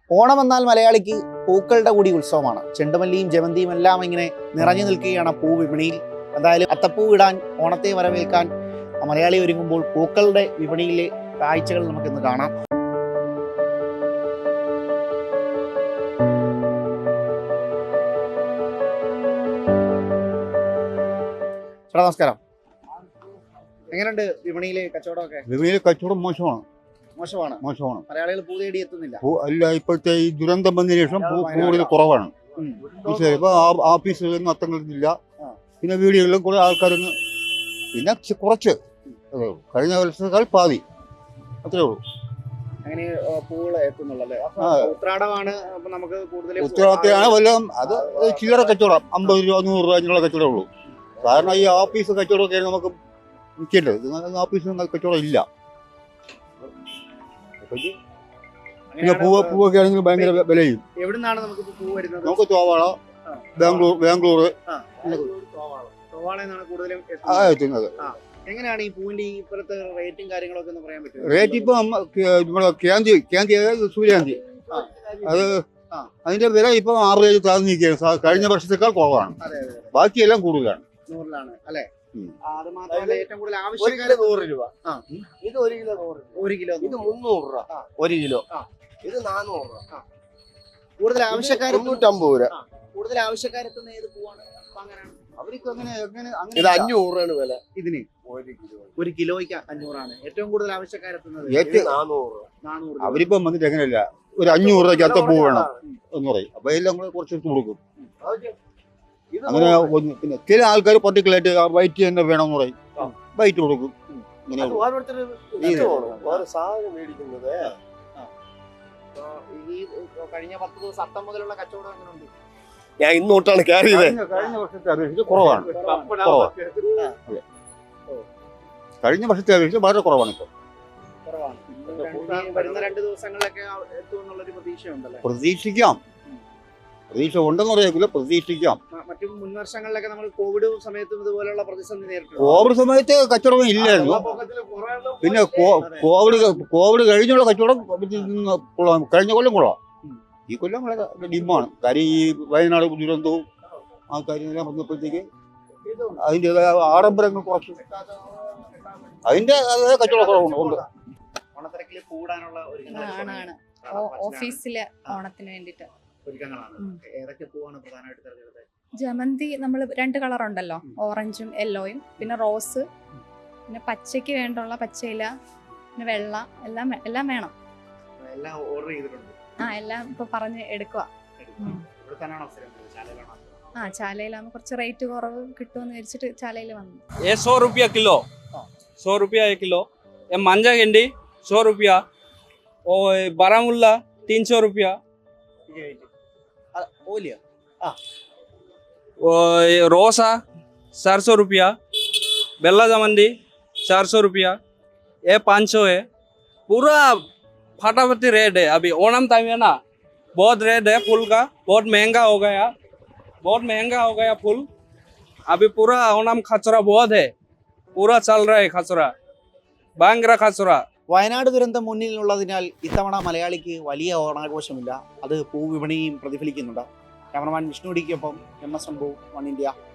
ഓണം എന്നാൽ മലയാളിക്ക് പൂക്കളുടെ കൂടി ഉത്സവമാണ്. ചെണ്ടുമല്ലിയും ജമന്തിയും എല്ലാം ഇങ്ങനെ നിറഞ്ഞു നിൽക്കുകയാണ് പൂവിപണിയിൽ. എന്തായാലും അത്തപ്പൂ ഇടാൻ ഓണത്തെ വരവേൽക്കാൻ മലയാളി ഒരുങ്ങുമ്പോൾ പൂക്കളുടെ വിപണിയിലെ കാഴ്ചകൾ നമുക്കിന്ന് കാണാം. ചേട്ടാ നമസ്കാരം. എങ്ങനെയുണ്ട് വിപണിയിലെ കച്ചവടമൊക്കെ? വിപണിയിലെ കച്ചവടം മോശമാണ്. മലയാളികൾ പൂ തേടി എത്തുന്നില്ല. അല്ല, ഇപ്പോഴത്തെ ഈ ദുരന്തം വന്നതിന് ശേഷം കൂടുതൽ കുറവാണ്. ഇപ്പൊ ഓഫീസുകളിലൊന്നും അത്തങ്ങളില്ല. പിന്നെ വീടുകളിലും കുറെ ആൾക്കാരൊന്നും, പിന്നെ കുറച്ച് കഴിഞ്ഞ വർഷത്തേക്കാൾ പാതി, അത്രേ ഉള്ളൂ. അങ്ങനെ പൂവുകൾ എത്തുന്നുള്ളല്ലേ? ഉത്രാടമാണ് നമുക്ക് കൂടുതൽ. ഉത്തരവാദിത്തമാണ് വല്ലതും. അത് ചില്ലറ കച്ചവടം 50 രൂപ 100 രൂപ അങ്ങനെയുള്ള കച്ചവടമേ ഉള്ളൂ. കാരണം ഈ ഓഫീസ് കച്ചവടമൊക്കെ നമുക്ക് നിൽക്കേണ്ടത്. ഓഫീസിൽ കച്ചവടം ഇല്ല. പിന്നെ പൂവൊക്കെ ആണെങ്കിൽ ഭയങ്കര വിലയും. എവിടുന്നാണ് നമുക്ക് പൂ വരുന്നത്? നമുക്ക് തോവാള, ബാംഗ്ലൂർ എത്തുന്നത്. എങ്ങനെയാണ് ഈ പൂവിന്റെ ഇപ്പോഴത്തെ റേറ്റും കാര്യങ്ങളൊക്കെ ഒന്ന് പറയാൻ പറ്റും? റേറ്റ് ഇപ്പൊ നമ്മുടെ സൂര്യകാന്തി അത് അതിന്റെ വില ഇപ്പൊ 6 രൂപ താഴ്ന്നു നിൽക്കുകയാണ്. കഴിഞ്ഞ വർഷത്തേക്കാൾ കുറവാണ്. ബാക്കിയെല്ലാം കൂടുതലാണ്. 100 അല്ലേ? അത് മാത്രമല്ല, ഏറ്റവും കൂടുതൽ ആവശ്യക്കാര് 100 രൂപ. ഇത് 1 കിലോ 100. ഇത് 300 രൂപ 1 കിലോ. ഇത് 400 രൂപ. കൂടുതൽ ആവശ്യക്കാർ 350 രൂപ. കൂടുതൽ ആവശ്യക്കാരെത്തുന്ന ഏത് പൂവാണ്? അവർക്ക് ഇത് 500 രൂപയാണ് വില. ഇതിന് 1 കിലോയ്ക്ക് 500 ആണ്. ഏറ്റവും കൂടുതൽ ആവശ്യക്കാരെത്തുന്നത് 400. അവരിപ്പം വന്നിട്ട് എങ്ങനെയല്ല, ഒരു 500 രൂപയ്ക്ക് അത്തപ്പൂ വേണം എന്ന് പറയും. അപ്പൊ എല്ലാം കൂടെ കുറച്ച് കൊടുക്കും. അങ്ങനെ പിന്നെ ചില ആൾക്കാർ പർട്ടിക്കുലറായിട്ട് വൈറ്റ് തന്നെ വേണമെന്ന് പറയും, വൈറ്റ് കൊടുക്കും. സാധനം മേടിക്കുന്നത് ഈ കഴിഞ്ഞ 10 ദിവസം അത്തം മുതലുള്ള കച്ചവടം എങ്ങനെയുണ്ട്? ഞാൻ ഇന്നോട്ടാണ് ക്യാരി ചെയ്തത്. കഴിഞ്ഞ വർഷത്തെ അപേക്ഷിച്ച് കുറവാണ്. കഴിഞ്ഞ വർഷത്തെ അപേക്ഷിച്ച് വളരെ കുറവാണ്. ഇപ്പൊ വരുന്ന 2 ദിവസങ്ങളിലൊക്കെ എത്തുമെന്നുള്ളൊരു പ്രതീക്ഷയുണ്ടല്ലോ? പ്രതീക്ഷിക്കാം. പ്രതീക്ഷ ഉണ്ടെന്ന് പറയില്ല, പ്രതീക്ഷിക്കാം. മറ്റു മുൻ വർഷങ്ങളിലൊക്കെ നമ്മൾ കോവിഡ് സമയത്തും ഇതുപോലുള്ള പ്രതിസന്ധി നേരിട്ടു. കോവിഡ് സമയത്ത് കച്ചവടം ഇല്ലായിരുന്നു. പിന്നെ കോവിഡ് കഴിഞ്ഞുള്ള കച്ചവടം കഴിഞ്ഞ കൊല്ലം കൊള്ളാം. ഈ കൊല്ലം വളരെ ഡിമ്മാണ്. കാര്യം ഈ വയനാട് ദുരന്തവും ആ കാര്യങ്ങളെല്ലാം വന്നപ്പോഴത്തേക്ക് അതിൻ്റെതായ ആഡംബരങ്ങൾ കുറച്ചു. അതിന്റെ കച്ചവട കുറവുണ്ട്. ഓണത്തിരക്കിൽ കൂടാനുള്ള ഓഫീസിലെ ഓണത്തിന് വേണ്ടിട്ട് ഏതൊക്കെ പൂവാണ് പ്രധാനമായിട്ട് തിരഞ്ഞെടുത്തത്? ജമന്തി നമ്മൾ 2 കളർ ഉണ്ടല്ലോ, ഓറഞ്ചും യെല്ലോയും. പിന്നെ റോസ്, പിന്നെ പച്ചയ്ക്ക് വേണ്ടുള്ള പച്ചയില, പിന്നെ വെള്ള, എല്ലാം വേണം. എല്ലാം ഓർഡർ ചെയ്തിട്ടുണ്ട്? എല്ലാം ഇപ്പൊ പറഞ്ഞ് എടുക്കുക. ചാലയിലാകുമ്പോൾ കുറച്ച് റേറ്റ് കുറവ് കിട്ടുമെന്ന് വിചാരിച്ചിട്ട് ചാലയിൽ വന്നു. 100 रुपया किलो, 100 रुपया 1 किलो. ये मांझा गेंडी 100 रुपया. और बारामुल्ला 300 रुपया. रोसा 400 रुपया. बेला जमंदी 400 रुपया. ये 500 है. पूरा फटाफटी रेट है. अभी ओणम टाइम है ना, बहुत रेट है फूल का. बहुत महंगा हो गया फूल. अभी पूरा ओणम खचरा बहुत है. पूरा चल रहा है खचरा, ഭയങ്കര खचरा. വയനാട് ദുരന്തം മുന്നിലുള്ളതിനാൽ ഇത്തവണ മലയാളിക്ക് വലിയ ഓണാഘോഷമില്ല. അത് പൂവിപണിയും പ്രതിഫലിക്കുന്നുണ്ട്. ക്യാമറമാൻ വിഷ്ണു ഡിക്കൊപ്പം MS Rambu, 1 India.